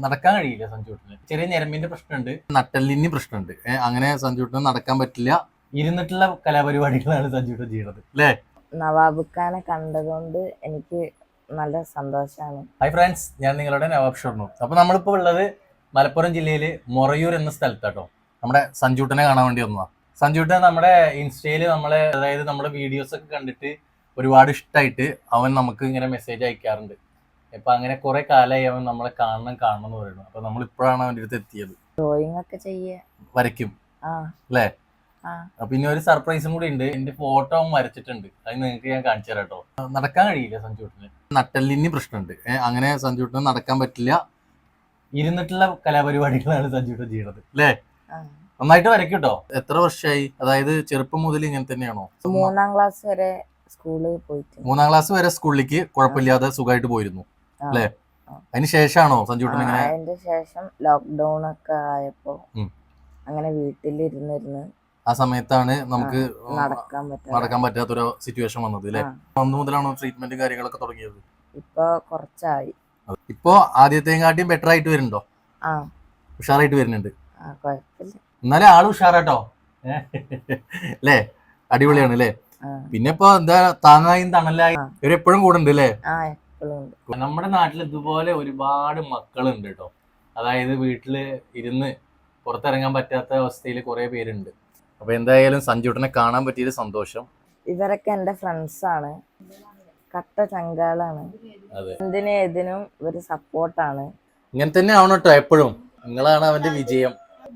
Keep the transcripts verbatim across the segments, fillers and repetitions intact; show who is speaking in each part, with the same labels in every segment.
Speaker 1: നടക്കാൻ കഴിയില്ല സഞ്ജുട്ടന്. ചെറിയ ഞരമ്പിന്റെ പ്രശ്നമുണ്ട്, നട്ടെല്ലിന് പ്രശ്നമുണ്ട്. അങ്ങനെ സഞ്ജുട്ടന് നടക്കാൻ പറ്റില്ല. ഇരുന്നിട്ടുള്ള കലാപരിപാടികളാണ് സഞ്ജുട്ടൻ ചെയ്യുന്നത് അല്ലേ?
Speaker 2: നവാബ് ഖാനെ കണ്ടതുകൊണ്ട് എനിക്ക് നല്ല സന്തോഷമാണ്.
Speaker 1: ഹായ് ഫ്രണ്ട്സ്, ഞാൻ നിങ്ങളുടെ നവാബ് ഷൊർണൂർ. അപ്പൊ നമ്മളിപ്പോ ഉള്ളത് മലപ്പുറം ജില്ലയില് മൊറയൂർ എന്ന സ്ഥലത്താട്ടോ. നമ്മുടെ സഞ്ജുട്ടനെ കാണാൻ വേണ്ടി വന്നതാ. സഞ്ജുട്ടൻ നമ്മുടെ ഇൻസ്റ്റയില് നമ്മളെ അതായത് നമ്മുടെ വീഡിയോസ് ഒക്കെ കണ്ടിട്ട് ഒരുപാട് ഇഷ്ടമായിട്ട് അവൻ നമുക്ക് ഇങ്ങനെ മെസ്സേജ് അയക്കാറുണ്ട്. ഇപ്പൊ അങ്ങനെ കുറെ കാലമായി അവൻ നമ്മളെ കാണണം കാണണം എന്ന് പറയുന്നു. അപ്പൊ നമ്മൾ ഇപ്പോഴാണ് അവൻ്റെ അടുത്ത് എത്തിയത്.
Speaker 2: ഡ്രോയിങ് ഒക്കെ ചെയ്യ
Speaker 1: വരയ്ക്കും അല്ലേ? പിന്നെ ഒരു സർപ്രൈസും കൂടി ഉണ്ട്. എന്റെ ഫോട്ടോ അവൻ വരച്ചിട്ടുണ്ട്. അത് നിങ്ങൾക്ക് ഞാൻ കാണിച്ചു തരാം കേട്ടോ. നടക്കാൻ കഴിയില്ല സഞ്ജുട്ടന്, നട്ടെല്ലിന് പ്രശ്നമുണ്ട്. അങ്ങനെ സഞ്ജുട്ടന് നടക്കാൻ പറ്റില്ല. ഇരുന്നിട്ടുള്ള കലാപരിപാടികളാണ് സഞ്ജുട്ടൻ ചെയ്യുന്നത് അല്ലേ? നന്നായിട്ട് വരയ്ക്കും കേട്ടോ. എത്ര വർഷമായി? അതായത് ചെറുപ്പം മുതൽ ഇങ്ങനെ തന്നെയാണോ?
Speaker 2: മൂന്നാം ക്ലാസ് വരെ സ്കൂളിൽ പോയിട്ട്
Speaker 1: മൂന്നാം ക്ലാസ് വരെ സ്കൂളിലേക്ക് കുഴപ്പമില്ലാതെ സുഖമായിട്ട് പോയിരുന്നു അല്ലേ? അതിന് ശേഷമാണോ സഞ്ജുട്ടൻ ഇങ്ങനെ?
Speaker 2: അതിന്റെ ശേഷം ലോക്ക്ഡൌൺ ഒക്കെ ആയപ്പോ അങ്ങനെ വീട്ടിലിരുന്നിരുന്ന്
Speaker 1: ആ സമയത്താണ് നമുക്ക്
Speaker 2: നടക്കാൻ പറ്റാ
Speaker 1: നടക്കാൻ പറ്റാത്തൊരു സിറ്റുവേഷൻ വന്നത് അല്ലേ? അന്ന് മുതലാണോ ട്രീറ്റ്മെന്റ് കാര്യങ്ങളൊക്കെ തുടങ്ങിയത്?
Speaker 2: ഇപ്പൊ കുറച്ചായി.
Speaker 1: ഇപ്പൊ ആദ്യത്തെക്കാട്ടിയും ബെറ്റർ ആയിട്ട് വരുന്നുണ്ടോ?
Speaker 2: ആ
Speaker 1: ഉഷാറായിട്ട് വരുന്നുണ്ട്.
Speaker 2: കുഴപ്പമില്ല.
Speaker 1: എന്നാലേ ആള് ഉഷാറാട്ടോ അല്ലേ? അടിപൊളിയാണ് അല്ലേ? പിന്നെ ഇപ്പൊ എന്താ താങ്ങായും തണലായി ഇവരെപ്പോഴും കൂടെ ഉണ്ട് അല്ലേ? നമ്മുടെ നാട്ടിൽ ഇതുപോലെ ഒരുപാട് മക്കളുണ്ട് കേട്ടോ. അതായത് വീട്ടില് ഇരുന്ന് പുറത്തിറങ്ങാൻ പറ്റാത്ത അവസ്ഥയിൽ കുറെ പേരുണ്ട്. അപ്പൊ എന്തായാലും സഞ്ജുട്ടനെ കാണാൻ പറ്റിയത് സന്തോഷം.
Speaker 2: ഇവരൊക്കെ എന്റെ ഫ്രണ്ട്സ് ആണ്, കട്ട ചങ്കാളാണ്. എന്തിനും ഏതിനും ഇവര് സപ്പോർട്ടാണ്.
Speaker 1: ഇങ്ങനെ തന്നെ ആവണം കേട്ടോ എപ്പോഴും. നിങ്ങളാണ് അവന്റെ വിജയം.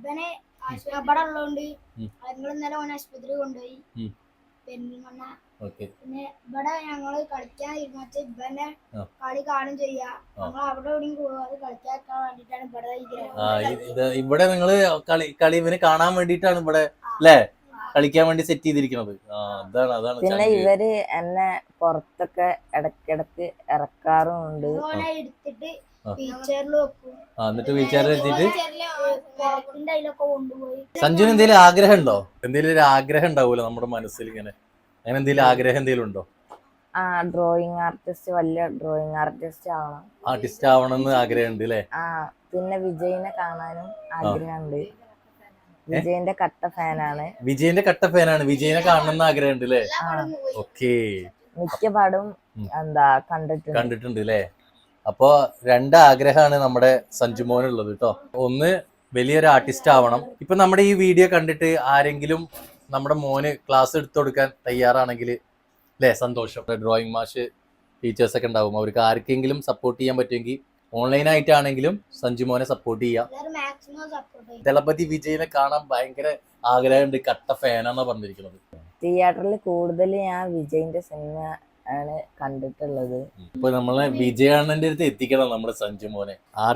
Speaker 3: പിന്നെ ഇവിടെ ഞങ്ങള് കളിക്കാൻ ഇരുന്നിട്ട് ഇവനെ കളി കാണും ചെയ്യാ. ഞങ്ങൾ അവിടെ എവിടെയും പോവാതെ കളിക്കാൻ വേണ്ടിട്ടാണ് ഇവിടെ
Speaker 1: ഇവിടെ നിങ്ങള് കളി കളി ഇവന് കാണാൻ വേണ്ടിട്ടാണ് ഇവിടെ അല്ലേ കളിക്കാൻ വേണ്ടി സെറ്റ് ചെയ്തിരിക്കുന്നത്. അതാണ് അതാണ്
Speaker 2: പിന്നെ ഇവര് എന്നെ പുറത്തൊക്കെ ഇടക്കിടക്ക് ഇറക്കാറുമുണ്ട്.
Speaker 3: എടുത്തിട്ട് വീൽചെയറിൽ വെക്കും.
Speaker 1: എന്നിട്ട് വീൽചെയറിൽ എത്തിയിട്ട്
Speaker 3: കൊണ്ടുപോയി.
Speaker 1: സഞ്ജുവിന് എന്തെങ്കിലും ആഗ്രഹം ഉണ്ടോ? എന്തെങ്കിലും ഒരു ആഗ്രഹം ഉണ്ടാവൂലോ നമ്മുടെ മനസ്സിൽ ഇങ്ങനെ? അങ്ങനെ എന്തെങ്കിലും ആഗ്രഹം എന്തെങ്കിലും ഉണ്ടോ?
Speaker 2: ആ ഡ്രോയിങ് ആർട്ടിസ്റ്റ്, വലിയ ഡ്രോയിങ് ആർട്ടിസ്റ്റ് ആവണം.
Speaker 1: ആർട്ടിസ്റ്റ് ആവണം എന്ന് ആഗ്രഹമുണ്ട് അല്ലേ?
Speaker 2: ആ പിന്നെ വിജയിനെ കാണാനും ആഗ്രഹമുണ്ട്. വിജയിന്റെ കട്ട ഫാനാണ്.
Speaker 1: വിജയിന്റെ കട്ട ഫാനാണ്. വിജയിനെ കാണണമെന്ന് ആഗ്രഹമുണ്ട് അല്ലേ? ഓക്കേ.
Speaker 2: മിക്ക പാടും എന്താ കണ്ടിട്ടുണ്ട്
Speaker 1: കണ്ടിട്ടുണ്ട് അല്ലേ? അപ്പൊ രണ്ട് ആഗ്രഹമാണ് നമ്മുടെ സഞ്ജുമോനുള്ളത് കേട്ടോ. ഒന്ന് വലിയൊരു ആർട്ടിസ്റ്റ് ആവണം. ഇപ്പൊ നമ്മുടെ ഈ വീഡിയോ കണ്ടിട്ട് ആരെങ്കിലും നമ്മുടെ മോന് ക്ലാസ് എടുത്തു കൊടുക്കാൻ തയ്യാറാണെങ്കിൽ അല്ലേ സന്തോഷം. ഡ്രോയിങ് മാഷ് ടീച്ചേഴ്സ് ഒക്കെ ഉണ്ടാവും. അവർക്ക് ആർക്കെങ്കിലും സപ്പോർട്ട് ചെയ്യാൻ പറ്റുമെങ്കിൽ ഓൺലൈൻ ആയിട്ടാണെങ്കിലും സഞ്ജുമോനെ സപ്പോർട്ട് ചെയ്യാം. ദളപതി വിജയിനെ കാണാൻ ഭയങ്കര ആഗ്രഹമുണ്ട്, കട്ട ഫാനാന്നാ പറഞ്ഞിരിക്കുന്നത്.
Speaker 2: തിയേറ്ററിൽ കൂടുതൽ ഞാൻ വിജയിന്റെ സിനിമ ആണ് കണ്ടിട്ടുള്ളത്.
Speaker 1: ഇപ്പൊ നമ്മളെ വിജയാണന്റെ അടുത്ത് എത്തിക്കണം നമ്മുടെ സഞ്ജുമോനെ.